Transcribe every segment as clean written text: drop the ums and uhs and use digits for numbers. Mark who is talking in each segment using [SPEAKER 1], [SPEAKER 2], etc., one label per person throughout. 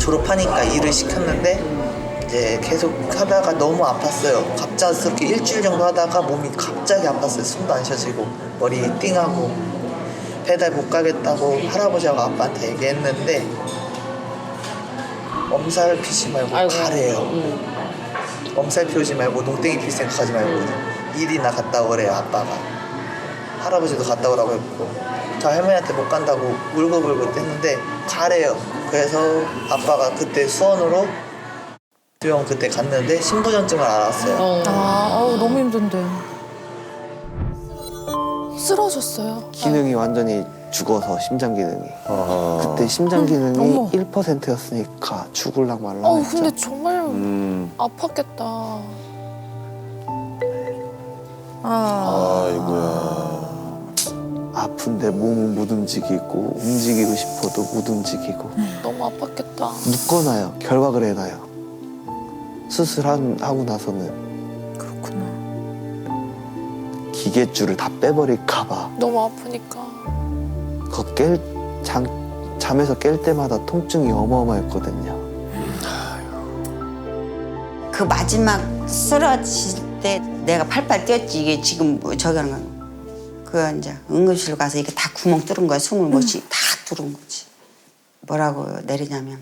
[SPEAKER 1] 졸업하니까 일을 시켰는데 이제 계속 하다가 너무 아팠어요. 갑작스럽게 일주일 정도 하다가 몸이 갑자기 아팠어요. 숨도 안 쉬어지고 머리 띵하고 배달 못 가겠다고 할아버지하고 아빠한테 얘기했는데 엄살 피지 말고 가래요. 엄살 피우지 말고 농땡이 필 생각하지 말고 일이나 갔다 오래요. 아빠가 할아버지도 갔다 오라고 했고 저 할머니한테 못 간다고 울고불고 했는데 가래요. 그래서 아빠가 그때 수원으로 병원 그때 갔는데 신부전증을 알았어요.
[SPEAKER 2] 너무 힘든데. 쓰러졌어요.
[SPEAKER 3] 기능이 완전히 죽어서 심장 기능이. 그때 심장 기능이
[SPEAKER 2] 어머.
[SPEAKER 3] 1%였으니까 죽을랑 말랑 했죠.
[SPEAKER 2] 근데 정말 아팠겠다.
[SPEAKER 4] 아이고야.
[SPEAKER 3] 아픈데 몸은 못 움직이고 움직이고 싶어도 못 움직이고
[SPEAKER 2] 너무 아팠겠다.
[SPEAKER 3] 묶어놔요. 결박을 해놔요. 수술하고 나서는
[SPEAKER 2] 그렇구나.
[SPEAKER 3] 기계줄을 다 빼버릴까 봐.
[SPEAKER 2] 너무 아프니까.
[SPEAKER 3] 잠에서 깰 때마다 통증이 어마어마했거든요.
[SPEAKER 5] 그 마지막 쓰러질 때 내가 팔팔 뛰었지. 이게 지금 뭐 저기 하는 거. 그 이제 응급실 가서 이게 다 구멍 뚫은 거야. 숨을 못 쉬. 다 뚫은 거지. 뭐라고 내리냐면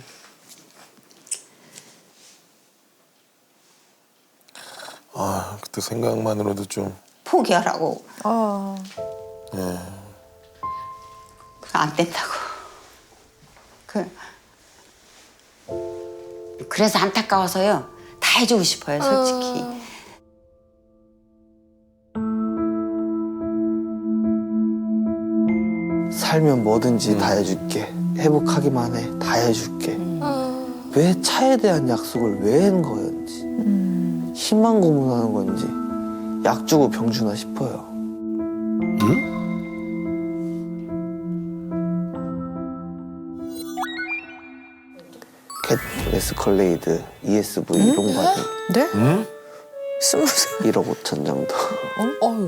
[SPEAKER 4] 아, 그때 생각만으로도 좀.
[SPEAKER 5] 포기하라고.
[SPEAKER 4] 예.
[SPEAKER 5] 안 된다고. 그래서 안타까워서요. 다 해주고 싶어요, 솔직히.
[SPEAKER 3] 살면 뭐든지 다 해줄게. 회복하기만 해. 다 해줄게. 왜 차에 대한 약속을 왜 한 거였는지. 희망 고문하는 건지 약 주고 병 주나 싶어요. 캣 에스컬레이드 ESV 이런 거 받은
[SPEAKER 2] 네?
[SPEAKER 6] 20살.
[SPEAKER 3] 1억 5천 정도.
[SPEAKER 2] 어휴.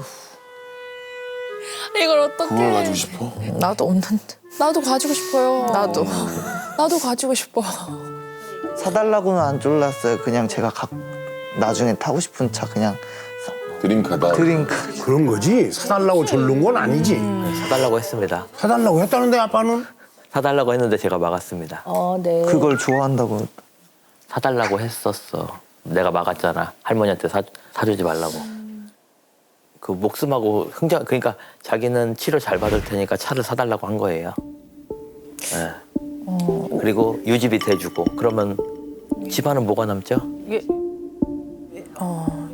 [SPEAKER 2] 이걸 어떻게?
[SPEAKER 4] 그걸 가지고 싶어?
[SPEAKER 6] 나도 없는데.
[SPEAKER 2] 나도 가지고 싶어요.
[SPEAKER 6] 나도.
[SPEAKER 2] 나도 가지고 싶어.
[SPEAKER 3] 사달라고는 안 졸랐어요. 그냥 제가 나중에 타고 싶은 차 그냥
[SPEAKER 4] 드림카다.
[SPEAKER 3] 드링크.
[SPEAKER 7] 그런 거지. 사달라고 졸른 건 아니지.
[SPEAKER 8] 사달라고 했습니다.
[SPEAKER 7] 사달라고 했다는데 아빠는?
[SPEAKER 8] 사달라고 했는데 제가 막았습니다.
[SPEAKER 6] 네.
[SPEAKER 3] 그걸 좋아한다고.
[SPEAKER 8] 사달라고 했었어. 내가 막았잖아. 할머니한테 사주지 말라고. 그 목숨하고 그러니까 자기는 치료 잘 받을 테니까 차를 사달라고 한 거예요. 예. 그리고 유지비 대주고 그러면 집안은 뭐가 남죠?